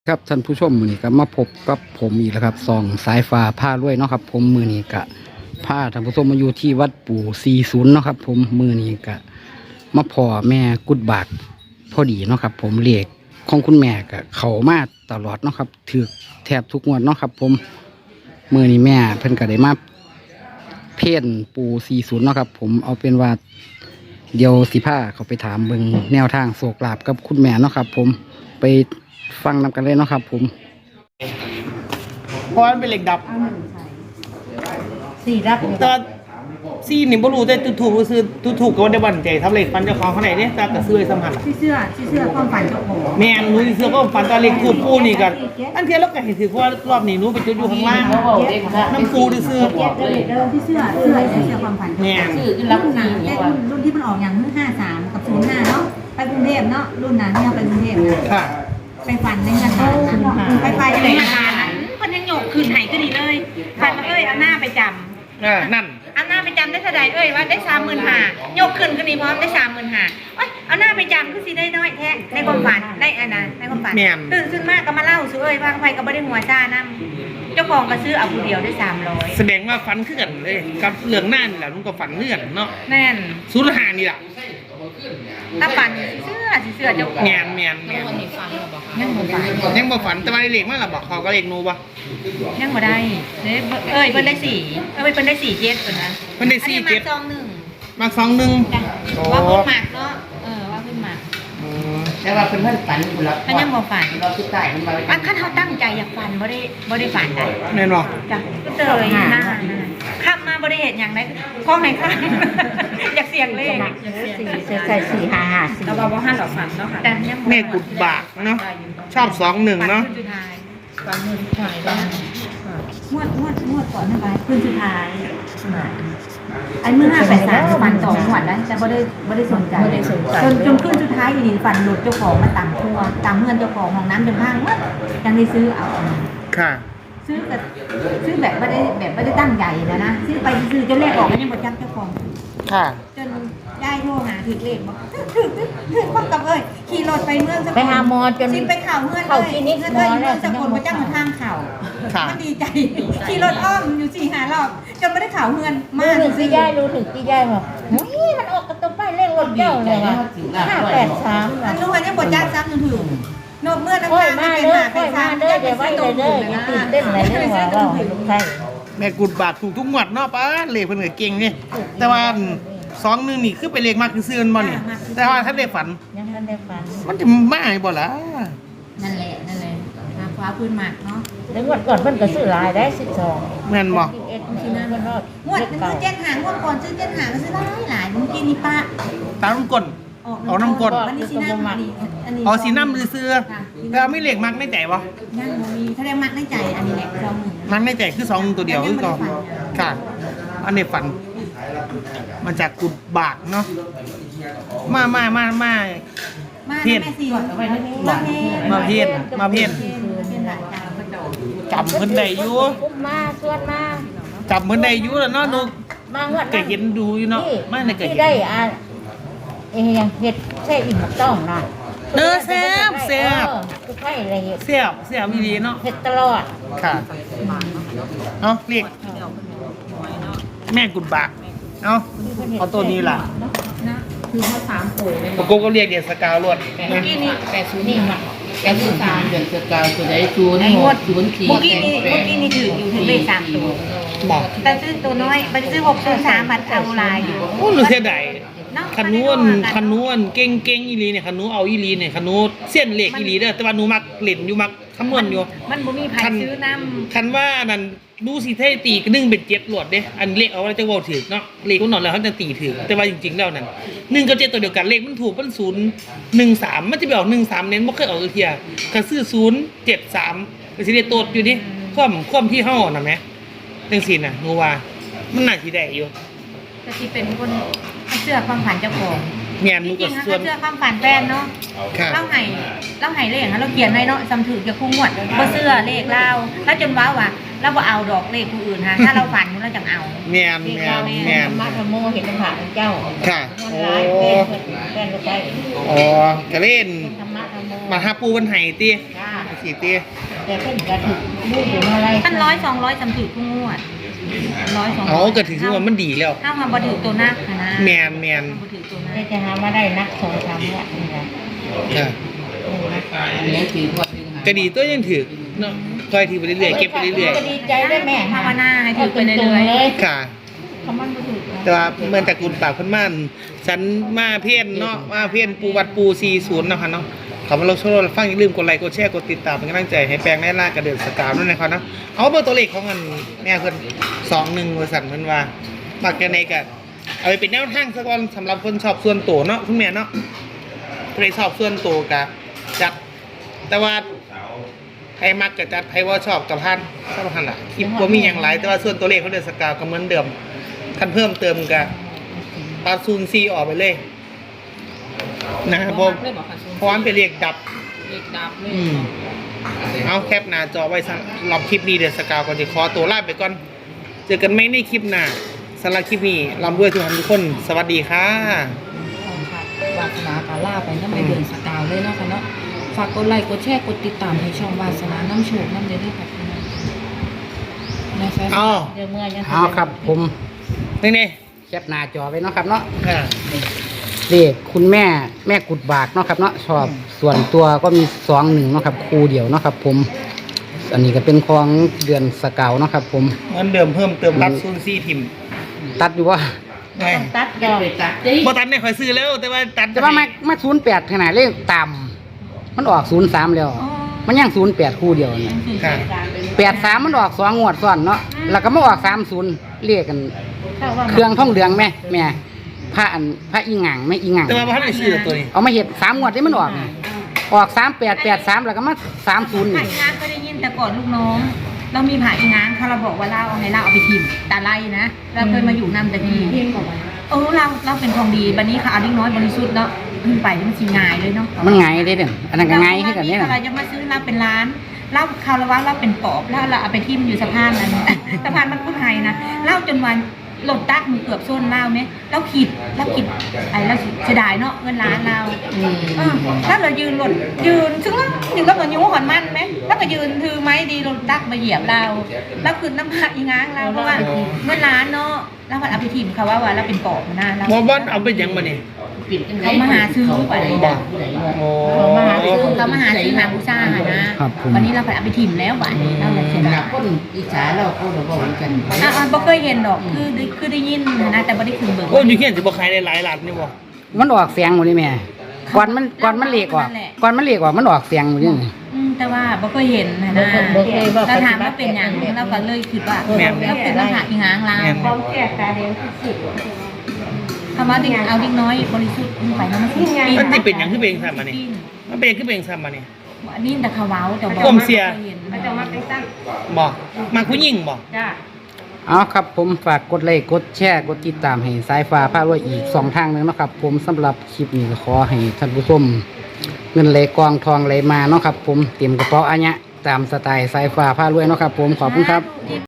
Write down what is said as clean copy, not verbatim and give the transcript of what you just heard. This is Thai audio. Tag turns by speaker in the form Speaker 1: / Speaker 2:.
Speaker 1: ครับท่านผู้ชมมือนี้ก็มาพบกับผมอีกแล้วครับซองสายฟ้าผ้าด้วยเนาะครับผมมือนี้ก็ผ้าท่านผู้ชมมาอยู่ที่วัดปู่40เนาะครับผมมือนี้ก็มาพ่อแม่กุดบาทพอดีเนาะครับผมเรียกของคุณแม่ก็เขามาตลอดเนาะครับถือแทบทุกงวดเนาะครับผมมือนี้แม่เพิ่นก็ได้มาเพ่นปู่40เนาะครับผมเอาเป็นว่าเดี๋ยวสิผ้าเขาไปถามเบิ่งแนวทางโศกลาบกับคุณแม่เนาะครับผมไปฟังนำกันเลยเนาะครับผม
Speaker 2: เพราะมันเป็นเหล็กดับ
Speaker 3: สี่รับ
Speaker 2: แต่ซี่นี่บ่รู้แต่ถูกซื้อถูกก็ได้บันใจทำเหล็กฟันเจ้าของเขาไหนเนี่ยตาก็ซื้อสัมผัส
Speaker 3: ที่เสื้อความฝันเจ้าของ
Speaker 2: แม่นรู้เสื้อก็ฟันตาเหล็กคูปูนี่กันอันเทียแล้วก็เห็นถือว่ารอบนี้นู้ไปจุดอยู่ข้างล่างน้ำปูซื้อ
Speaker 3: ที่เสื้อความฝัน
Speaker 2: แม่น
Speaker 3: รุ่นที่มันออกอย่าง53กับ05เนาะไปกรุงเทพเนาะรุ่นนั้นเนี่ยไปกรุงเทพนะ
Speaker 2: ค่ะ
Speaker 3: ไปฝันในงานไปในงานนั้นคนยังหยกคืนหายก็ดีเลยฝันมาเอาหน้าไปจำ
Speaker 2: นั่น
Speaker 3: เอาหน้าไปจำได้เท่าใดว่าได้35,000ยกขึ้นก็ดีพร้อมได้35,000เอาหน้าไปจำคือสิได้น้อยแท้ในความฝันได้อันนั้นในความฝันตื่นขึ้นมากก็มาเล่าซื้อว่าไปก็ไม่ได้หัวจ้านั่งเจ้าของก็ซื้อเอาผู้เดียวได้300
Speaker 2: แสดงว่าฝันขึ้นเลยกับเหลืองหน้านี่แหละลุงก็ฝันเลื่อนเนาะ
Speaker 3: แน่น
Speaker 2: 05นี่แหละ
Speaker 3: ถ้าฝันเสื้อเจ้าของ
Speaker 2: แม่นยังบ่ฝันแต่ว่าเลขมันล่ะบอกเขาก็เลขนูบ่
Speaker 3: ยังบ่ได้เพิ่นได้4เพิ่นได้47เพิ่นนะ
Speaker 2: เพิ่นได้
Speaker 3: 47
Speaker 2: มัก21
Speaker 3: ว่าเพิ่นมักเนาะว่าเพิ่นมัก
Speaker 4: แต่ว่าเพิ่นฝันอยู่แล้ว
Speaker 3: มันยังบ่ฝัน
Speaker 4: เราคือใต้มัน
Speaker 3: ว่าคันเฮาตั้งใจอยากฝันบ่ได้ฝันได้
Speaker 2: แม่นบ่
Speaker 3: จ้ะก็เลยหน้าข้ามมาบ่ได้เฮ็ดหยังได้ขอให้ข้ามอยากเสี่ยงเลข
Speaker 4: ใส่455
Speaker 3: แล้วว่าบ่ฮั่นหรอกฝันเนาะค่ะ
Speaker 2: แม่กุดบากเนาะชอบ21เนาะ
Speaker 3: ฝันสุดท้ายแล้วงวดก่อนนั่นไปคืนสุดท้ายไอ้เมื่อ583ฝัน2งวดแล้วแต่บ่ได้สนใจจนคืนสุดท้ายอีนี่ฝันหลุดเจ้าของมาตามเฮือนเจ้าของห้องน้ำจนพังหมดยังได้ซื้อเอา
Speaker 2: ค่ะ
Speaker 3: ซื้อแบบไม่ได้ตั้งใหญ่นะซื้อไปซื้อจนเลขออกยังบ่จักเจ้าของ
Speaker 2: ค่ะ
Speaker 3: จนได้โทรหาถึงเลขบอกถึงกับขี่รถไปเมืองสกล
Speaker 4: ไปหาหมอจน
Speaker 3: ไปข่าวเมืองเลยเมืองสกลมาจ้างมาทางข่าวมันดีใจขี่รถอ้อมอยู่4-5 รอบจนไม่ได้ข่าวเมืองมาก
Speaker 4: รู้ถึงที่ย่ายบอกมันออกกระตุ้นไปเลขรถเจ้าเลยว่ะ583
Speaker 3: อันนู้นยังบ่จักซ้ำถึงนกเมื่อน้ำตาไม่เป็นหาเป็นซ้ำ
Speaker 4: เดี๋ยวไว้เลยตื่นเต้นเลยเรื่องว่าลูกไทย
Speaker 2: แม่กุดบาทถูกทุกงวดเนาะป้าเลขเพิ่นก็เก่งนี่แต่ว่า21นี่คือไปเลขมากคือซื้อมันบ่นี่แต่ว่าถ้าได้ฝัน
Speaker 4: ยังทันได้ฝัน
Speaker 2: มันจะมาให้บ่ล่ะ
Speaker 3: นั่นแหละมาคว้าพื้นหมากเนาะ
Speaker 4: แล้วงวดก่อนเพิ่นก็ซื้อหลายได้12
Speaker 2: แม่นบ่
Speaker 3: ที่นั่นก็งวดนึงคือ7หางวดก่อนซื้อ7หางก็ซื้อหลายเมื่อกี้นี่ป้า
Speaker 2: ตามน้ำก้นเอาน้ำก้น
Speaker 3: อันนี้สีน้ำอันนี้
Speaker 2: เอาสีน้ำซื้อแล้วไม่เลขมักในใจบ่
Speaker 3: ยังมีถ้าได้มักในใจอันนี้แหละ21
Speaker 2: มักในใจคือ2ตัวเดียวคือก่อนค่ะอันนี้ฝันมาจากกุดบากเนาะมาเพี้ยนมาเพี้ยนจำเพิ่นได้อยู่
Speaker 4: มาชวนมา
Speaker 2: จำเพิ่นได้อยู่แล้วเนาะนุก
Speaker 4: มางวด
Speaker 2: ก็เห็นดูอยู่เนาะมาในก็เห็น
Speaker 4: ได้ยังเฮ็ดแช่อิ่มต้องเนาะ
Speaker 2: แซ่บ
Speaker 4: คือไผอะไรเฮ็ด
Speaker 2: แซ่บอีหลีเนาะ
Speaker 4: เฮ็ดตลอด
Speaker 2: ค่ะเอาเรียกแม่กุดบากเอาตัวนี้ล่ะ
Speaker 3: คือเขา3โผล่เลย
Speaker 2: โกก็เรียกเดือนสกาวรวด
Speaker 3: เมื่อกี้นี่80นี่ค่ะ
Speaker 4: 83เดือนสกาวตัวไหน0ในงวด04
Speaker 3: เมื่อกี้นี่ถืออยู่ถึงเลข3ตัวแต่ซื้อตัวน้อยไปซื้อ603มันเอาลายอยู่
Speaker 2: โอ้รู้เสียดายคันนู้นเก่งอีหลีเนี่ยคันนู้เอาอีหลีเนี่ยคันนู้เส้นเหล็กอีหลีเด้อแต่ว่าหนูมักเล่นอยู่มักคำนวณอยู่
Speaker 3: มันบ่มีไผซื้อน้ำ
Speaker 2: คันว่านั่นดูสิเท่ตีก็1เป็น7หลวดเด้อันเลขเอาไว้จะเว้าถูกเนาะเลขมันนอนแล้วเขาจะตีถูกแต่ว่าจริงๆแล้วนั่น1กับ7ตัวเดียวกันเลขมันถูกมัน013มันจะไปออก13เน้นบ่เคยออกเที่ยคันซื้อ073ก็สิได้โตดอยู่ดิความที่เฮานั่นแหมจังซี่น่ะหนูว่ามันน่าสิได้อยู่
Speaker 3: แต่ที่เป็นคนเชื่อความฝันเจ้าของ
Speaker 2: แม่นหนูก็ส่วน
Speaker 3: เชื่อความฝันแฟนเนาะเล่าให้เลขเราเขียนไว้เนาะซ้ำถือจะคู่งวดบ่เชื่อเลขเราแล้วจนว้าว่าเราบ่เอาดอกเลขผู้อื่นฮะถ้าเราฝันเราจังเอา
Speaker 2: แม่น
Speaker 4: มาธรรมโมเห็นธรรมะเจ้า
Speaker 2: ค่ะ
Speaker 4: โอ้แฟนก็ไป
Speaker 2: ก็เล่นมาหาปูวันไห้ติสิติ
Speaker 4: แต่เพิ่นก็ถูกลูกอยู่อะไร
Speaker 3: ท่าน100 200จำถือทุกงวด100 200
Speaker 2: เอาก็ถือว่ามันดีแล้ว
Speaker 3: ถ้าทำบ่ถือตัวนักนะ
Speaker 2: แมน
Speaker 3: บ่ถือตัวนั
Speaker 4: ได้
Speaker 3: ก
Speaker 4: จะหามาได้นัก2-3วัดนี่ล่ะ
Speaker 2: อ่ะก็ดีตัวยังถือเนาะคอยถือไปเรื่อยๆเก็บไปเรื่อย
Speaker 4: ก็ดีใจได้แม่
Speaker 3: ภาวนาให้ถือไปเรื่อย
Speaker 2: ๆค่ะ
Speaker 4: คำมันบ่ถูก
Speaker 2: แต่ว่าเมื่อตระกูลปากเพิ่นม่านฉันมาเพี้ยนเนาะมาเพี้ยนปูวัดปู40นะคะเนาะขอมาลงโชว์ฟังอย่าลืมกดไลค์กดแชร์กดติดตามเป็นกำลังใจให้แปลงได้ล่ากระเดินสกาวด้วยนะครับเนาะเอาเบอร์ตัวเลขของมันแม่เพิ่น21บริษัทเพิ่นว่ามักจะในก็เอาไปเป็นแนวทางซะก่อนสำหรับคนชอบส่วนตัวเนาะคุณแม่เนาะใครชอบส่วนตัวก็จัดแต่ว่าใครมักก็จัดใครว่าชอบกับพันก็พันล่ะคลิปบ่มีหยังหลายแต่ว่าส่วนตัวเลขเขาเดินสกาวก็เหมือนเดิมคันเพิ่มเติมก็ตัด04ออกไปเลยนะครับผมเพราะว่ามันเป็นเลขดับ
Speaker 5: เด็กดับเลย
Speaker 2: เอาแคปหน้าจอไว้สำหรับคลิปนี้เดี๋ยวสกาวก็จะขอตัวลาไปก่อน เจอกันไหมในคลิปหน้าสำหรับคลิปนี้ลำด้วยทุกท่านทุกคน สวัสดีค่ะ
Speaker 5: วาสนาการล่าไปน้ำไปเดินสกาวเลยเนาะค่ะเนาะฝากกดไลค์กดแชร์กดติดตามให้ช่องวาสนาน้ำโชคน้ำเดือดด้วยค่ะพี่น้องนะคะ
Speaker 2: เอา
Speaker 4: เดี๋ยวเมื่อยัง
Speaker 1: เอาครับผม
Speaker 2: นี่
Speaker 1: แคปหน้าจอไว้เนาะครับเนาะ
Speaker 2: ๆ
Speaker 1: เลขคุณแม่กุดบากเนาะครับเนาะชอบส่วนตัวก็มี21เนาะครับคู่เดียวเนาะครับผม อันนี้ก็เป็นของเดือนสกาวเนาะครับผม
Speaker 2: เหมือนเดิมเพิ่มเติมรับซูนซี่ทิม
Speaker 1: ตัดอยู่ว่า
Speaker 2: ไง
Speaker 4: ตัดดอก
Speaker 2: บ่ตันเนี่ยคอยซื้อแล้วแต่ว่าตัด
Speaker 1: แต่ว่ามา08ขนาดเลขต่ำมันออก03แล้ว มันยัง08คู่เดียวเนี่ย
Speaker 2: ค่ะ
Speaker 1: 83มันออก2งวดซ้อนเนาะแล้วก็มาออก30เรียกกัน เครื่องท่องเหลืองแม่พระอีหงังแม่อีหงัง
Speaker 2: แต่ว่าบ่ทันได้ซื้อตัวนี้
Speaker 1: เอามาเฮ็ด3งวดที่มันออกนี่ออก3883แล้วก็มา30
Speaker 3: ผ่า
Speaker 1: นี่
Speaker 3: อีง้างก็ได้ยินแต่ก่อนลูกน้อง เรามีผ่าอีง้างเขาเราบอกว่าเราเอาให้เราเอาไปทิมตาไล่นะเราเคยมาอยู่นำแต่ทีเราเป็นของดีบัดนี้ค่ะเอาดิ้งน้อยบริสุทธิ์เนาะขึ้นไปมันสิง่ายเลยเนาะ
Speaker 1: มันไงเด้เด่นอันนั้นก็ไงคือกันเนี่ย
Speaker 3: เรา
Speaker 1: น่ะ
Speaker 3: จะมาซื้อเราเป็นร้านเราคาราวะเราเป็นปอบแล้วเราเอาไปทิมอยู่สะพานนั้น สะพานมันพูดไทยนะเล่าจนวันหลดตักมือเกือบส้นเล่าไหมเราขิดไอ้เราเสียดายเนาะเงินล้านเราถ้าเรายืนหลดยืนซึ่งแล้วถึงก็เหมือนยูหอนมันไหมแล้วก็ยืนถือไม้ดีหลดตักมาเหยียบเราแล้วคืนน้ำผักอีง้างเราเพราะว่าเงินล้านเนาะแล้วมันเอาไปทิมเขาว่าเราเป็นปอบมาหน้าเรา
Speaker 2: บ่บ่เอาไปหยังมานี่
Speaker 3: เขามาหาซื้อไป
Speaker 2: บ่โอ้
Speaker 3: เขามาหาซื้อหาบูชาหานะวันนี้เราไปเอาไปถิ่มแล้ววันนี้เราเลยเสียดาย
Speaker 5: คนอิจฉาเราเขาเราบอกกัน
Speaker 3: บ่เคยเห็นดอกคือได้ยินนะแต่บ่ได้ถึงเบิ่ง
Speaker 2: โอ้อยู่เขียนสิบ่ขายได้หลายล้านนี่บ่
Speaker 1: มันออกเสียงหมดนี่แม่ก่อนมันเลขออกมันออกเสียงหมดนี่
Speaker 3: แต่ว่าบ่เคยเห็นนะเราถามว่าเป็นหยังเราก็เลยคิดว่าเราเป็นน้ำผักอีหางลาว
Speaker 4: ความแก่ตาเดียวสุด
Speaker 3: คำว่าดิ่งเอาดิ่งน้อยบริสุทธิ์ไปแล้วมัน
Speaker 2: มันสิเป็นหยังคือเป็นซ้ำมานี่มันเป็นคือเป็นซ้ำมานี่
Speaker 3: อันนี้แต่เขาเว้าแต่บ่
Speaker 2: ผมเสีย
Speaker 3: มันจะมาเป็นตั้ง
Speaker 2: บ่มาผู้หญิงบ่
Speaker 3: จ้า
Speaker 1: เอาครับผมฝากกดไลค์กดแชร์กดติดตามให้สายฟ้าพารวยอีก2ทางนึงเนาะครับผมสำหรับคลิปนี้ก็ขอให้ท่านผู้ชมเงินไหลกองทองไหลมาเนาะครับผมเตรียมกระเป๋าอัญะตามสไตล์สายฟ้าพารวยเนาะครับผมขอบคุณครับ